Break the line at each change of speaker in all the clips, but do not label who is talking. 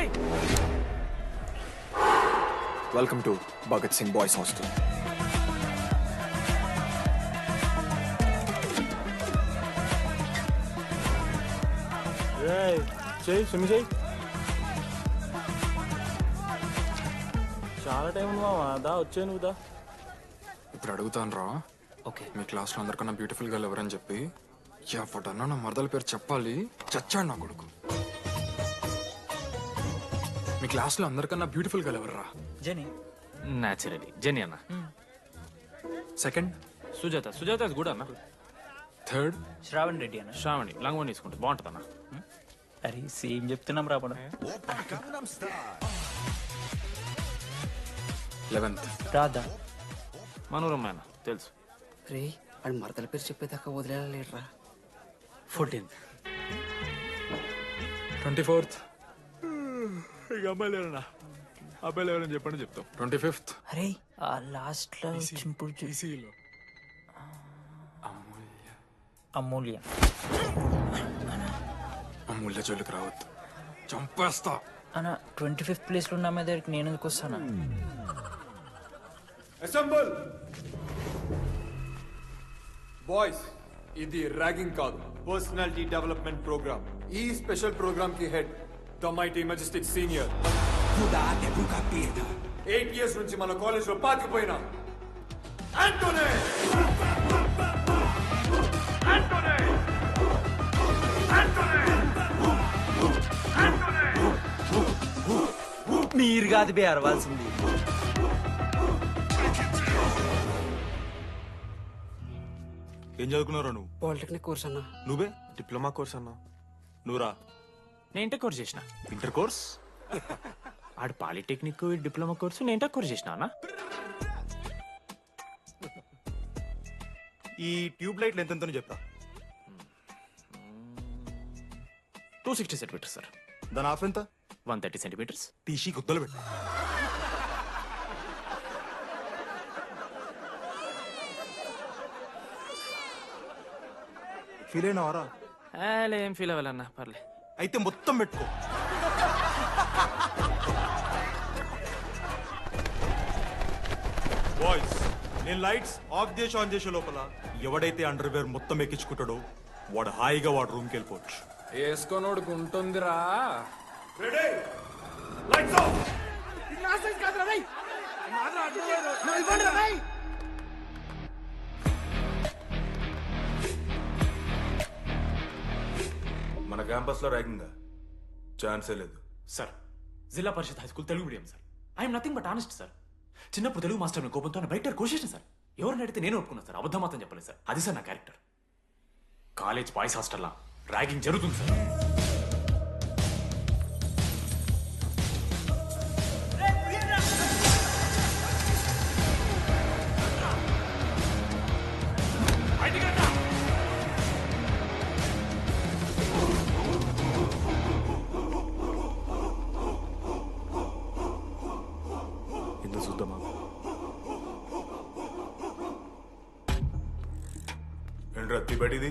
Welcome to Bhagat Singh boys hostel.
చాలా time ఉంది మామా, దా వచ్చే నువ్వు దా.
ఇప్పుడు అడుగుతాను రా.
ఓకే,
మీ క్లాస్లో అందరికన్నా బ్యూటిఫుల్ గర్ల్ ఎవరని చెప్పి ఎవడన్నా నా మరదల పేరు చెప్పాలి. చచ్చాడు నా కొడుకు. మీ క్లాస్లో అందరికన్నా బ్యూటిఫుల్ గర్ల్ ఎవర్రా?
జెనీ.
న్యాచురలీ జెనీ అన్న.
సెకండ్
సుజాత. సుజాత అది కూడా అన్న.
థర్డ్
శ్రావణ్ రెడ్డి అన్న.
శ్రావణి లంగవని తీసుకుంటే బాగుంటుంది అన్న.
అరే సేమ్ చెప్తున్నాం రాపడం.
11th
రాదా?
మనోరమ్మ అన్న తెలుసు.
రే వాడు మరదల పేరు చెప్పేదాకా వదిలేరా.
14th.
24th
ఇక అమ్మాయి లేరన్నా, అబ్బాయిలు ఎవరని చెప్పండి చెప్తాం.
25th
అరే ఆ లాస్ట్ లో చింపుడు అమూల్య.
అమూల్య జోలికి రావద్దు, చంపేస్తా.
అన్న 25th ప్లేస్ లో ఉన్న అమ్మాయి దగ్గరికి నేను ఎందుకు వస్తానా?
అసెంబుల్ బాయ్స్, ఇది ర్యాగింగ్ కాదు, పర్సనాలిటీ డెవలప్మెంట్ ప్రోగ్రామ్. ఈ స్పెషల్ ప్రోగ్రామ్ కి head the mighty majestic senior. 8 years నుంచి మన కాలేజ్ లో పాతిపోయినా ఆంటోనీ.
మీరు కాదు బే అరవాల్సింది.
ఏం చదువుకున్నారా నువ్వు?
పాలిటెక్నిక్ కోర్స్ అన్నా.
నువ్వే? డిప్లొమా కోర్స్ అన్నా. నువ్వురా?
నేను ఇంటర్ కోర్స్ చేసిన.
Inter course?
ఆడు పాలిటెక్నిక్ డిప్లొమా కోర్సు, నేను ఇంటర్ కోర్స్ చేసిన అన్న.
ఈ ట్యూబ్ లైట్లు ఎంతెంతనో చెప్తా.
260 సెంటీమీటర్స్ సార్.
దాని హాఫ్ ఎంత?
130 సెంటీమీటర్స్.
తీసి గుద్దలు పెట్టు. ఫీల్ అయినావారా?
ఏం ఫీల్ అవ్వాలన్నా, పర్లే.
అయితే మొత్తం పెట్టుకో. బాయ్స్, నేను లైట్స్ ఆఫ్ చేసి ఆన్ చేసే లోపల ఎవడైతే అండర్వేర్ మొత్తం ఎక్కించుకుంటాడో వాడు హాయిగా వాడు రూమ్కి వెళ్ళిపోవచ్చు.
వేసుకోనోడుకు ఉంటుందిరా.
Ready, lights off. మన క్యాంపస్ లో ర్యాగింగ్ ఛాన్సే లేదు
sir, Zilla Parishad high school Telugu medium sir. I'm nothing but honest sir. చిన్నప్పుడు తెలుగు మాస్టర్ కోపంతో బయట కోసేసిన సార్. ఎవరిని అడిగితే నేను ఒప్పుకున్నాను సార్, అబద్ధం మాత్రం చెప్పలేదు సార్. అది సార్ నా క్యారెక్టర్. కాలేజ్ బాయ్స్ హాస్టల్లా ర్యాగింగ్ జరుగుతుంది సార్.
చూద్దామా? ఏంట్రా తిబడిది?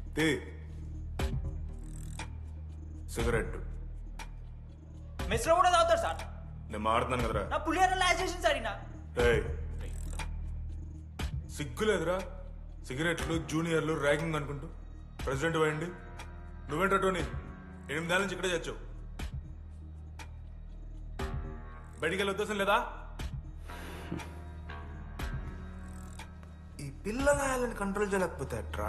సిగరెట్
మెస్ లో కూడా తాగుతారు సార్.
నేను మాడుతున్నాను కదరా.
నా పులిహోర లాస్ట్ చేసింది సార్ ఈయన.
సిగ్గులేదురా? సిగరెట్లు జూనియర్లు ర్యాగింగ్ అనుకుంటూ ప్రెసిడెంట్ పోయండి. నువ్వేంట్రా టోనీ, 8 ఏళ్ళ నుంచి ఇక్కడే చచ్చావు. బయటికి వెళ్ళే ఉద్దేశం లేదా? ఈ పిల్లలని కంట్రోల్ చేయలేకపోతే అట్రా.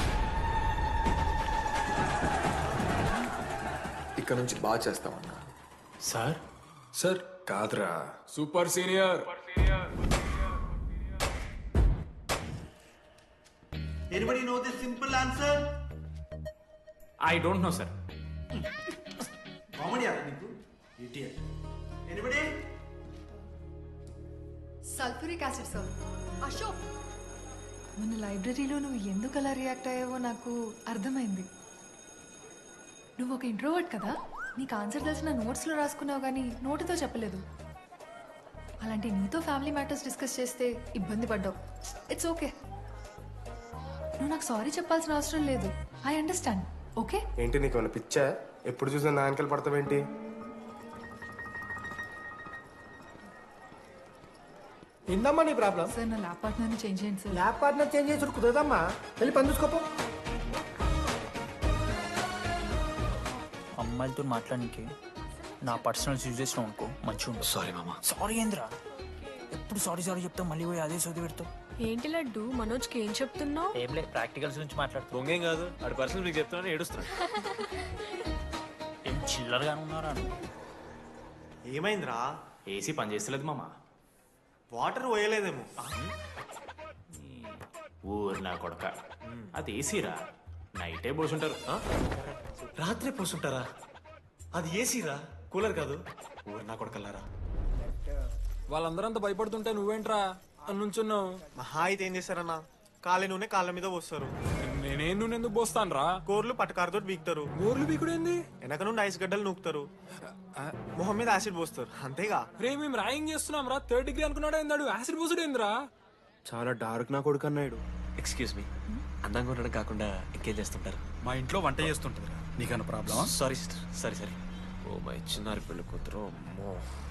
ఇక్కడ నుంచి బాగా చేస్తామన్నా.
సార్
సార్ కాదురా, super senior.
Anybody know the simple answer?
I don't know sir.
Comedy act నీకు idiot. Anybody?
Sulphuric acid sir. Ashok, మన లైబ్రరీలో నువ్వు ఎందుకు అలా రియాక్ట్ అయ్యావో నాకు అర్థమైంది. నువ్వు ఒక ఇంట్రోవర్ట్ కదా, నీకు ఆన్సర్ తెలిసిన నోట్స్లో రాసుకున్నావు కానీ నోటితో చెప్పలేదు. అలాంటి నీతో ఫ్యామిలీ మ్యాటర్స్ డిస్కస్ చేస్తే ఇబ్బంది పడ్డావు. ఇట్స్ ఓకే, నువ్వు నాకు సారీ చెప్పాల్సిన అవసరం లేదు. I understand. ఓకే?
ఏంటి నీకు ఏమైనా పిచ్చా? ఎప్పుడు చూసినా నా వెనకాల పడతావేంటి? ఏందమ్మా నీ ప్రాబ్లం?
సార్ నా ల్యాబ్ పార్ట్నర్ని చేంజ్ చేయండి సార్.
ల్యాబ్ పార్ట్నర్ చేంజ్ చేసి కుదరదమ్మా. వెళ్ళి పని చూసుకోపో.
అమ్మాయిలతో మాట్లాడడానికి నా పర్సనల్ యూజ్ చేసిన అనుకో మంచిగా ఉంటుంది.
సారీ మామా.
సారీ ఏంద్రా, ఎప్పుడు సారీ సారీ చెప్తావు, మళ్ళీ పోయి అదే సోది పెడతావు.
ఏంటి లడ్డు మనోజ్కి ఏం చెప్తున్నావు?
ఏం లేదు, ప్రాక్టికల్స్ గురించి మాట్లాడుతావు.
దొంగేం కాదు, ఆడి పర్సనల్ మీకు చెప్తానని ఏడుస్తున్నాడు.
ఏం చిల్లరగానే ఉన్నారా?
ఏమైందిరా?
ఏసీ పని చేస్తలేదు మామా.
వాటర్ పోయలేదేమో.
ఊరు నా కొడక, అది ఏసీరా, నైటే పోసుంటారు.
రాత్రి పోసుంటారా? అది ఏసీరా, కూలర్ కాదు.
ఊరు నా కొడకల్లారా.
వాళ్ళందరంతా భయపడుతుంటే నువ్వేంట్రా నుంచున్నావు?
మహా అయితే ఏం చేస్తారన్నా, కాళ్ళ నూనె కాళ్ళ మీద పోస్తారు.
నేనేం నువ్వు ఎందుకు పోస్తాను రా?
కోర్లు పట్టకారుతో బీకుతారు.
గోర్లు బీకుడేంది?
వెనక నుండి ఐస్ గడ్డలు నూకుతారు. మొహం మీద యాసిడ్ పోస్తారు, అంతేగా.
రే మేము ర్యాగింగ్ చేస్తున్నాం రా, 3rd డిగ్రీ అనుకున్నాడు ఏందాడు, యాసిడ్ పోసుడు ఏందిరా?
చాలా డార్క్ నా కొడుకు అన్నాడు.
ఎక్స్క్యూజ్ మీ, అందంగా ఉండడం కాకుండా ఇంకేం చేస్తుంటారు?
మా ఇంట్లో వంట చేస్తుంటుంది. నీకన్నా ప్రాబ్లమా?
Sorry sister, sorry sorry. Oh my చిన్నారి పెళ్ళి కూతురు, అమ్మో.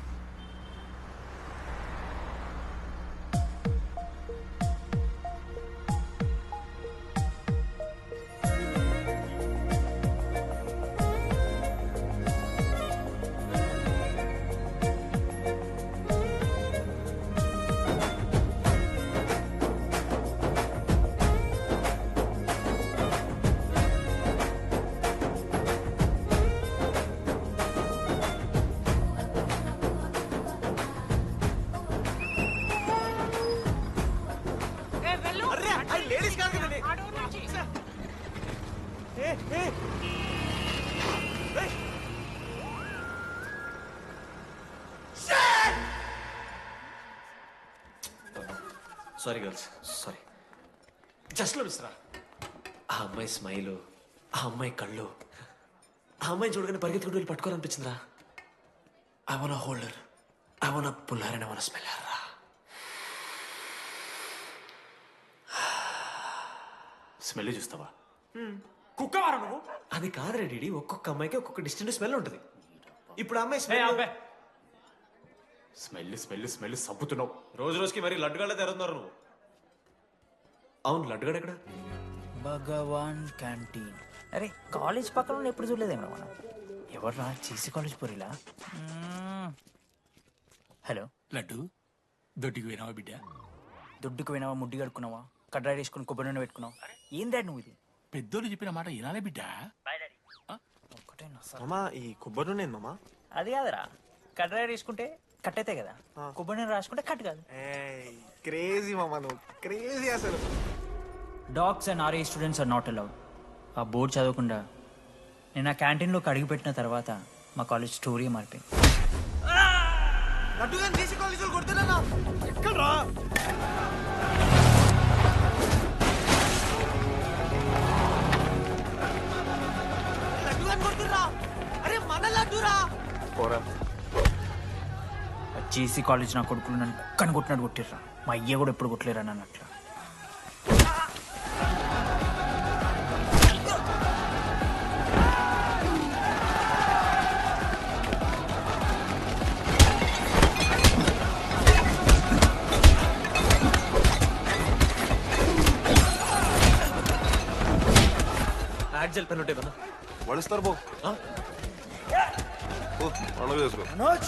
Sorry girls, sorry. Just Misra. ఆ అమ్మాయి స్మైలు, ఆ అమ్మాయి కళ్ళు, ఆ అమ్మాయి చూడగానే పరిగెత్తుకుంటూ వెళ్ళి పట్టుకోవాలనిపించిందిరా. I want holder, I want puller and I want smeller రా. స్మెల్ చూస్తావా? కుక్క వారా నువ్వు? అది కాదు రెడీ, ఒక్కొక్క అమ్మాయికి ఒక్కొక్క డిస్టెంట్ స్మెల్ ఉంటుంది. ఇప్పుడు ఆ అమ్మాయి స్మెల్ స్మెల్ స్మెల్ సబ్బుతున్నావు. రోజు రోజుకి మరి లడ్డుగాళ్ళ తెరుతున్నారు నువ్వు. అవును, లడ్డుగాడు ఎక్కడ?
భగవాన్ క్యాంటీన్. అరే కాలేజ్ పక్కన ఎప్పుడు చూడలేదేమో మనం. ఎవర్రా చేసి కాలేజ్ పోరిలా? హలో
లడ్డు, దొడ్డికి పోయినావా బిడ్డ?
దుడ్డుకు పోయినావా, ముడ్డి కడుక్కున్నావా, కడ్రాయి వేసుకుని కొబ్బరి నూనె పెట్టుకున్నావు? ఏం డాడ్ నువ్వు ఇది?
పెద్దోళ్ళు చెప్పిన మాట వినాలే బిడ్డ.
ఒక్కటేనా సార్?
మామా, ఈ కొబ్బరి నూనె మామా?
అది కాదురా, కడ్రాయి వేసుకుంటే కట్ అవుతాయి కదా, కొబ్బరి నూనె రాసుకుంటే కట్ కాదు.
క్రేజీ మామా, నువ్వు క్రేజీ అసలు.
డాగ్స్ అండ్ ఆర్ఏ స్టూడెంట్స్ ఆర్ నాట్ అలౌడ్. ఆ బోర్డు చదవకుండా నేను ఆ క్యాంటీన్లోకి అడుగుపెట్టిన తర్వాత మా కాలేజ్ స్టోరీ మారిపోయింది.
ఎక్కడ్రా? అరే మన లడ్డురా.
జేసీ కాలేజ్ నా కొడుకులు నన్ను కుక్కని కొట్టినట్టు కొట్టిర్రా. మా అయ్య కూడా ఎప్పుడు కొట్టలేరా నన్ను అట్లా.
యాక్జల్ పెన్ ఉంటే మన
వడిస్తారు బో. పండుగ చేసుకో.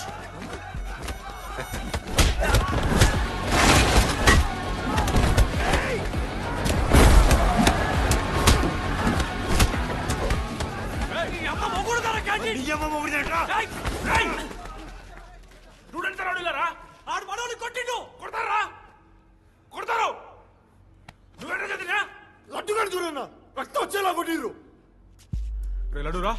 లడ్డుగాడు చూడన్నా, రక్తం వచ్చేలా కొట్టిర్రు.
లడ్డురా.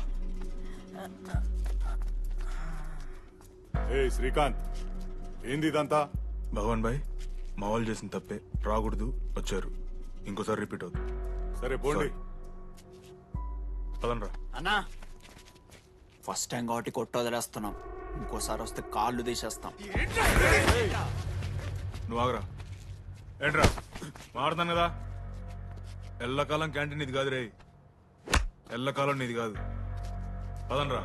ఏ శ్రీకాంత్, ఏంది ఇదంతా?
భగవాన్ భాయ్, మా వాళ్ళు చేసిన తప్పే, రాకూడదు, వచ్చారు, ఇంకోసారి రిపీట్ అవుతుంది.
సరే పోండి.
పదనరా.
అన్నా, ఫస్ట్ టైం కాబట్టి కొట్టు వదిలేస్తున్నాం, ఇంకోసారి వస్తే కాళ్ళు తీసేస్తాం.
నువ్వు ఆగరా. ఏంట్రా మారుతాను కదా. ఎల్లకాలం క్యాంటీన్ ఇది కాదు రే, ఎల్లకాలం నీది కాదు. పదనరా.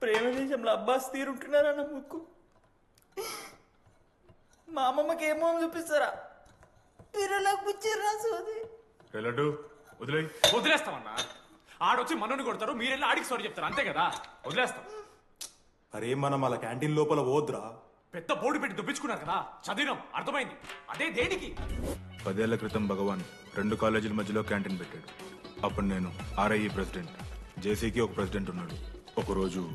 ప్రేమ దేశంలో అబ్బాస్ తీరుంటున్నారా నా ముక్కు. మా అమ్మమ్మకి ఏమో అని చూపిస్తారా పిల్లలకు పుచ్చిర్రా సోది.
లడ్డు వదిలే.
వదిలేస్తామన్నా. ఆడొచ్చి మనోని కొడతారు, మీరెళ్ళి ఆడికి సారీ చెప్తారు, అంతే కదా. వదిలేస్తాం.
అరే మనం అలా క్యాంటీన్ లోపల పోద్రా.
పెద్ద బోర్డు పెట్టి దుబ్బించుకున్నారు కదా, చదివినాం, అర్థమైంది. అదే దేనికి?
10 ఏళ్ల క్రితం భగవాన్ 2 కాలేజీల మధ్యలో క్యాంటీన్ పెట్టాడు. అప్పుడు నేను ఆర్ఐఈ ప్రెసిడెంట్, జేసీకి ఒక ప్రెసిడెంట్ ఉన్నాడు. ఒకరోజు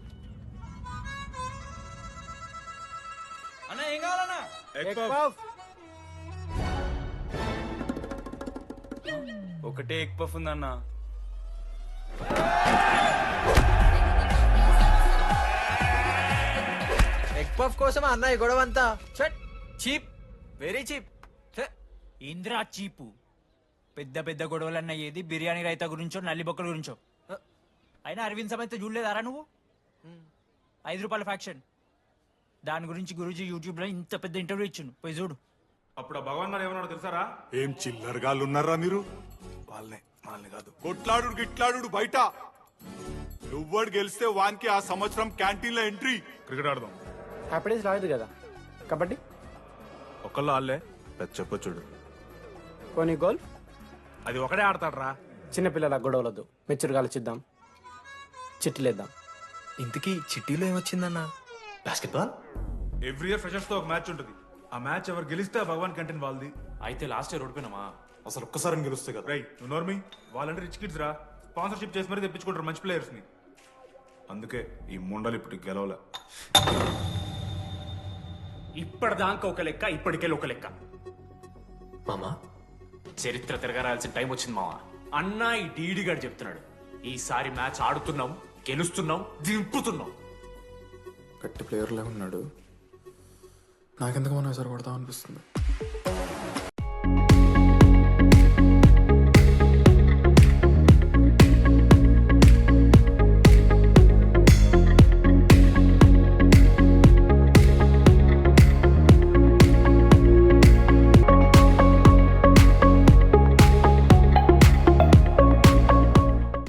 అన్న ఏం కావాలన్నా?
ఒకటే ఎగ్ పఫ్ ఉందన్న.
ఎగ్ పఫ్ కోసం అన్న ఈ గొడవ అంతా చీప్, వెరీ చీప్.
ఇంద్రా చీపు. పెద్ద పెద్ద గొడవలన్న ఏది బిర్యానీ రైతా గురించో నల్లి బొక్కల గురించో. అయినా అరవింద్ సమేత చూడలేదారా నువ్వు? 5 రూపాయల ఫ్యాక్షన్ దాని గురించి గురూజీ యూట్యూబ్ లో ఇంత పెద్ద ఇంటర్వ్యూ ఇచ్చిండు, పోయి చూడు.
అప్పుడు ఆ భగవాన్ గారు ఏమన్నాడు తెలుసారా?
ఏం చిల్లరగాళ్ళు ఉన్నారా మీరు? వాళ్ళని కాదు, కొట్లాడు గిట్లాడు బయట. నువ్వడు గెలిస్తే వానికి ఆ సంవత్సరం క్యాంటీన్ లో ఎంట్రీ.
క్రికెట్ ఆడదాం.
హ్యాపీడేస్ రాలేదు కదా. కబడ్డీ,
ఒకళ్ళు ఆళ్ళే పెద్ద చెప్పొచ్చుడు.
కొన్ని గోల్.
అది ఒకడే ఆడతాడ్రా.
చిన్నపిల్లల గొడవలొద్దు, మెచ్యూర్గా ఆలోచిద్దాం, చిట్టిలేద్దాం.
ఇంతకీ చిట్టీలో ఏమొచ్చిందన్న?
బాస్కెట్బాల్.
ఎవ్రీ ఇయర్ ఫ్రెషర్స్ తో ఒక మ్యాచ్ ఉంటుంది. ఆ మ్యాచ్ ఎవరు గెలిస్తే ఆ భగవాన్ క్యాంటీన్ వాళ్ళది.
అయితే లాస్ట్ ఇయర్ ఓడిపోయినామా?
అసలు ఒక్కసారి గెలుస్తే కదా.
రై నువ్వు నోర్మి. వాళ్ళంటే రిచ్ కిడ్స్ రా, స్పాన్సర్షిప్ చేసి మరీ తెప్పించుకుంటారు మంచి ప్లేయర్స్ ని. అందుకే ఈ ముండలు ఇప్పుడు గెలవలే.
ఇప్పటిదాకా ఒక లెక్క, ఇప్పటికెళ్ళి ఒక లెక్క.
మామా
చరిత్ర తిరగరాల్సిన టైం వచ్చింది మావా. అన్నా ఈ డీడీ గారు చెప్తున్నాడు, ఈసారి మ్యాచ్ ఆడుతున్నాం, గెలుస్తున్నాం, దింపుతున్నాం.
గట్టి ప్లేయర్లే ఉన్నాడు. నాకెందుకు మనం ఎసరు కొడతాం అనిపిస్తుంది.